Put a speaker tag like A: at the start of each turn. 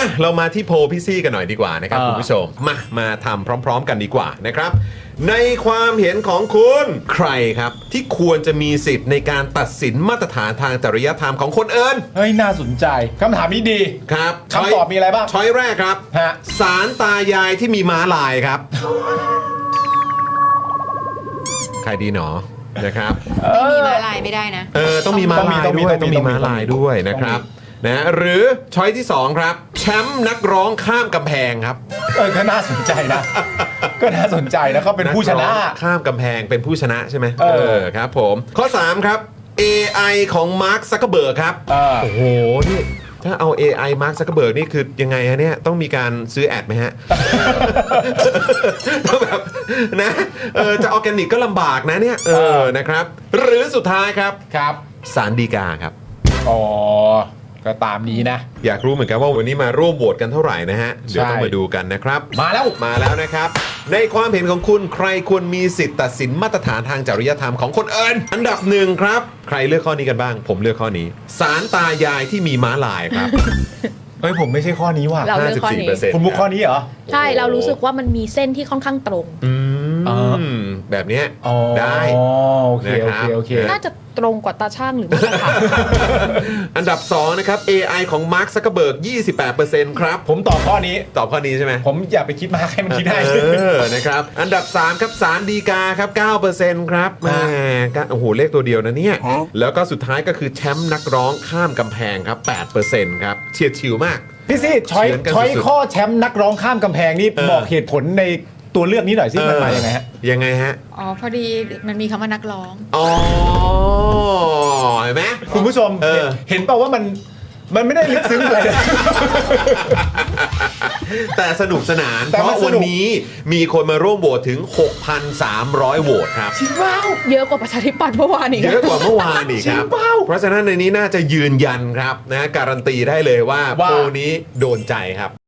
A: เรามาที่โพลพี่ซี่กันหน่อยดีกว่านะครับคุณผู้ชมมาทำพร้อมๆกันดีกว่านะครับในความเห็นของคุณใครครับที่ควรจะมีสิทธิ์ในการตัดสินมาตรฐานทางจริยธรรมของคนอื่น
B: เฮ้ยน่าสนใจคำถามนี้ดี
A: ครับ
B: คำตอบมีอะไรบ้าง
A: ช้อยแรกครับศาลตายายที่มีม้าลายครับใครดีหนอนะครับ
C: ไม่มีม้าลายไม่ได้นะ
A: ต้องมีม้าลายด้วยต้องมีม้าลายด้วยนะครับนะหรือช้อยที่2ครับแชมป์นักร้องข้ามกำแพงครับ
B: ก็น่าสนใจนะก็น่าสนใจนะเขาเป็นผู้ชนะ
A: ข้ามกำแพงเป็นผู้ชนะใช่ไหมครับผมข้อ3ครับ AI ของมาร์คซักเกอร์เบิร์กครับโอ้โหนี่ถ้าเอา AI มาร์คซักเกอร์เบิร์กนี่คือยังไงฮะเนี่ยต้องมีการซื้อแอดไหมฮะแบบนะจะออร์แกนิกก็ลำบากนะเนี่ยนะครับหรือสุดท้ายครับศาลฎีกาครับ
B: อ๋อก็ตามนี้นะ
A: อยากรู้เหมือนกันว่าวันนี้มาร่วมโหวตกันเท่าไหร่นะฮะเดี๋ยวต้องมาดูกันนะครับ
B: มา
A: แล้วนะครับในความเห็นของคุณใครควรมีสิทธิ์ตัดสินมาตรฐานทางจริยธรรมของคนอื่นอันดับ1ครับใครเลือกข้อนี้กันบ้างผมเลือกข้อนี้ศาลตายายที่มีม้าลายครับ
B: เฮ้ยผมไม่ใช่ข้อนี้ว่ะ
C: เราเลือกข้อนี้
B: คุณมุกข้อนี้เหรอ
C: ใช่เรารู้สึกว่ามันมีเส้นที่ค่อนข้างตรง
A: แบบนี้ได้
B: โอเค
C: น่าจะตรงกว่าตาช่างหรือไม่ค่ะ
A: อันดับ2นะครับ AI ของ Mark Zuckerberg 28%ครับ
B: ผมตอบข้อนี้
A: ใช่ไหม
B: ผมอย่าไปคิดมากให้มันคิดได้
A: นะครับอันดับ3ครับศาลฎีกาครับ 9% ครับแหมโอ้โหเลขตัวเดียวนะเนี่ยแล้วก็สุดท้ายก็คือแชมป์นักร้องข้ามกำแพงครับ 8% ครับเฉียดฉิวมาก
B: พี่ซี่ช้อยข้อแชมป์นักร้องข้ามกำแพงนี่บอกเหตุผลในตัวเลือกนี้หน่อยสิมันมายังไงฮะ
C: พอดีมันมีคำว่านักร้อง
A: เห็นไหม
B: คุณผู้ชมเห็นเปล่าว่ามันไม่ได้ลึกซึ้งอะไรเลย
A: แต่สนุกสนานเพราะวันนี้มีคนมาร่วมโหวตถึง 6,300 โหวตครับ
C: ชิว้าวเยอะกว่าประชาธิปัตย์เมื่อวานอีก
A: เยอะกว่าเมื่อวานอีกครับเพราะฉะนั้นในนี้น่าจะยืนยันครับนะการันตีได้เลยว่าโพลนี้โดนใจครับ